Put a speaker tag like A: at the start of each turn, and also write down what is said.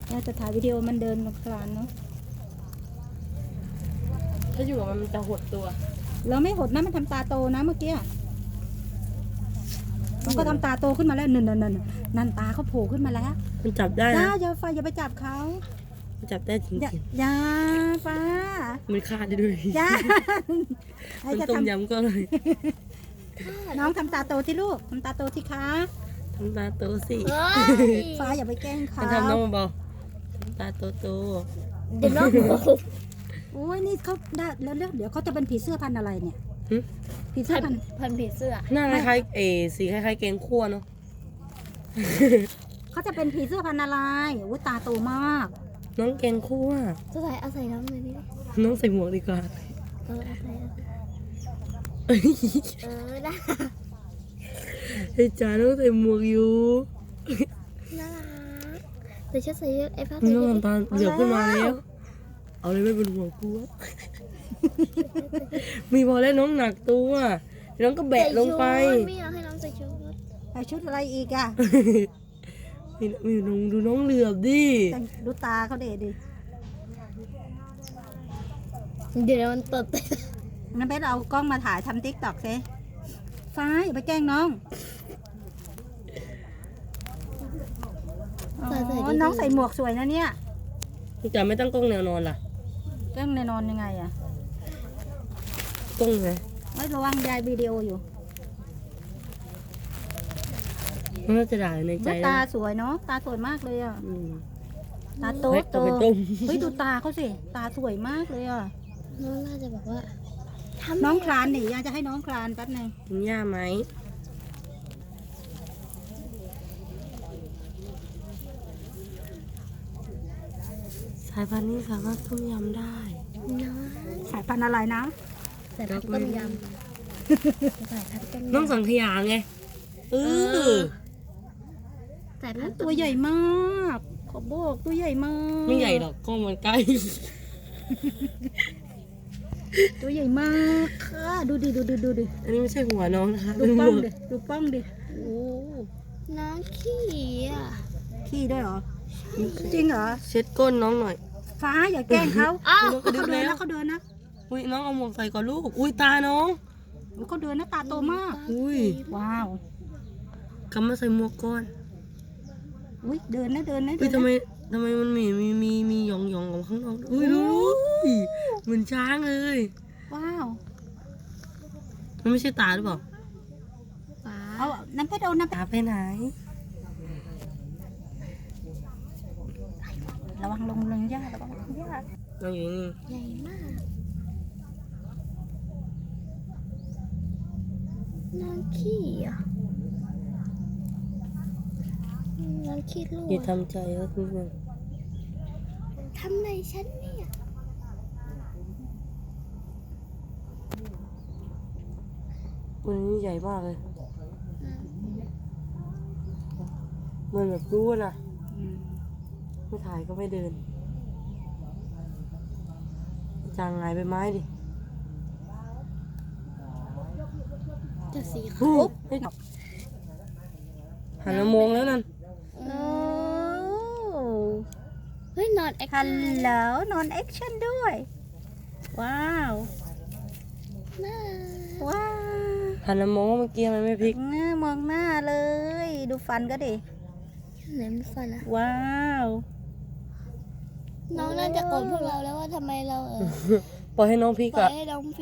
A: ย่าจะถ่ายวิดีโอมันเดินคลานเนาะ
B: ถ้าอยู่กับมันจะหดตัว
A: เราไม่หดนะมันทำตาโตนะเมื่อกี้มันก็ทำตาโตขึ้นมาแล้วนั่นตาเขาโผล่ขึ้นมาแล้ว
B: มันจับได้นะ
A: อย่าไปจับเขา
B: จับได้จริง
A: ๆอย่าป้า
B: มันคาดได้ด้วย
A: อย่า
B: มันต้มยำก็เลย
A: น้องทำตาโตที่ลูกทำตาโตที่ขา
B: ทำตาโตสิ
A: ฟ้าอย่าไปแกล้งเขา
B: ทำน้องเบาทำตาโต
C: เดี๋ยวน้อง
A: โอ้ยนี่เขาได้แล้วเดี๋ยวเขาจะเป็นผีเสื้อพันอะไรเนี่ยผีเสื้อ
C: พันผีเสื้อ
B: หน้าคล้ายๆสีคล้ายๆแกงคั่วเนาะ
A: เขาจะเป็นผีเสื้อพันอะไรอุ้ยตาโตมาก
B: น้องแกงคั่ว
C: จะใส่น้องเลยดิ
B: น้องใส่หมวกดีกว่า
C: ได้
B: ไอ้จ๋าน้องใส่หมวกอยู่
C: น่ารักเดี๋ยวฉันใส่ไอ้ผ้า
B: น้องทำตาเหลือบขึ้นมาแล้วเอาเลยไม่เป็นห่วงกูมีพอแล้วน้องหนักตัวน้องก็แบะลงไป
C: ไม่อยากให้น้องใส่ชุด
A: อะไรอีกอ่ะ
B: มีน้องดูน้องเหลือบดิ
A: ดูตาเขาเด็ดดิ
C: เดี๋ยวมันตด
A: งั้นเบสเอากล้องมาถ่ายทำติ๊กต็อกซิฟ้าอย่าไปแกล้งน้องน้องใส่หมวกสวยนะเนี่ย
B: จะไม่ตั้งกล้องแนวนอนล่ะ
A: แกล้งแนวนอนยังไงอะ
B: กล้องไง
A: ไม่ระวังยายวิดีโออยู่
B: น่าจะด่าในใจ
A: ตาสวยเนาะตาสวยมากเลยอ่ะตาโตเฮ้ยดูตาเขาสิตาสวยมากเลยอ่ะ
C: น้องน่าจะบอกว่า
A: น้องคลานหนิยายจะให้น้องคลานแป๊บนึง
B: กินหญ้าไหมสายพันธุ์นี้สามารถต้มยำได้
A: สายพันธุ์อะไรนะ
C: สายพันธุ์ต้มยำสายพันธุ์ต้มยำ
B: น้องสังขยาไง
C: สายพันธุ์
A: ตัวใหญ่มากขอบอกตัวใหญ่มาก
B: ไม่ใหญ่หรอกกล้องมันใกล้
A: ตัวใหญ่มากค่ะดูดิ
B: อันนี้ไม่ใช่หัวน้องนะคะ
A: ดูป้องดิ
C: โอ้น้องขี้อ่ะ
A: ขี้ด้วยเหรอจริงเหรอ
B: เช็ดก้นน้องหน่อย
A: ฟ้าอย่าแกล้งเขาเขาเดินนะ
B: อุ้ยน้องเอาหมวกใส่ก่อนลูกอุ้ยตาน้อง
A: เขาเดินนะตาโตมาก
B: อุ้ย
A: ว้าว
B: กำมาใส่หมวกก่อน
A: อุ้ยเดินนะ
B: อุ้ยทำไมมันมีหยองกับข้างนอกอุ้ยดูเหมือนช้างเลย
A: ว้าว
B: มันไม่ใช่ตาหรือเปล่า
A: เอาน้ำเพชรเอาน้ำ
B: ตาไปไหน
A: ระวังลงยาก
B: น้องอยู่นี่
C: ใหญ่มากน้องขี้อ่ะน้องขี้ลูก
B: อย่าทำใจก็คือ
C: ทำไรฉันเนี่ย
B: วันนี้ใหญ่มากเลยมันแบบรู้นะไม่ถ่ายก็ไม่เดินจางไงไปไม้ดิ
C: จะสีขาว
B: หันมามองแล้วนั่น
C: เฮ้ยนอนแอคชั่น
A: แล้วนอนแอคชั่นด้วยว้าว
B: หันมามองเมื่อกี้มันไม่พลิก
A: มองหน้าเลยดูฟันก็ดิ
C: ไหนมันฟันอะ
A: ว้าว
C: น้องน่าจะโกรธพวกเราแล้วว่าทำไมเรา
B: ปล่อยให้น้องพลิกอะ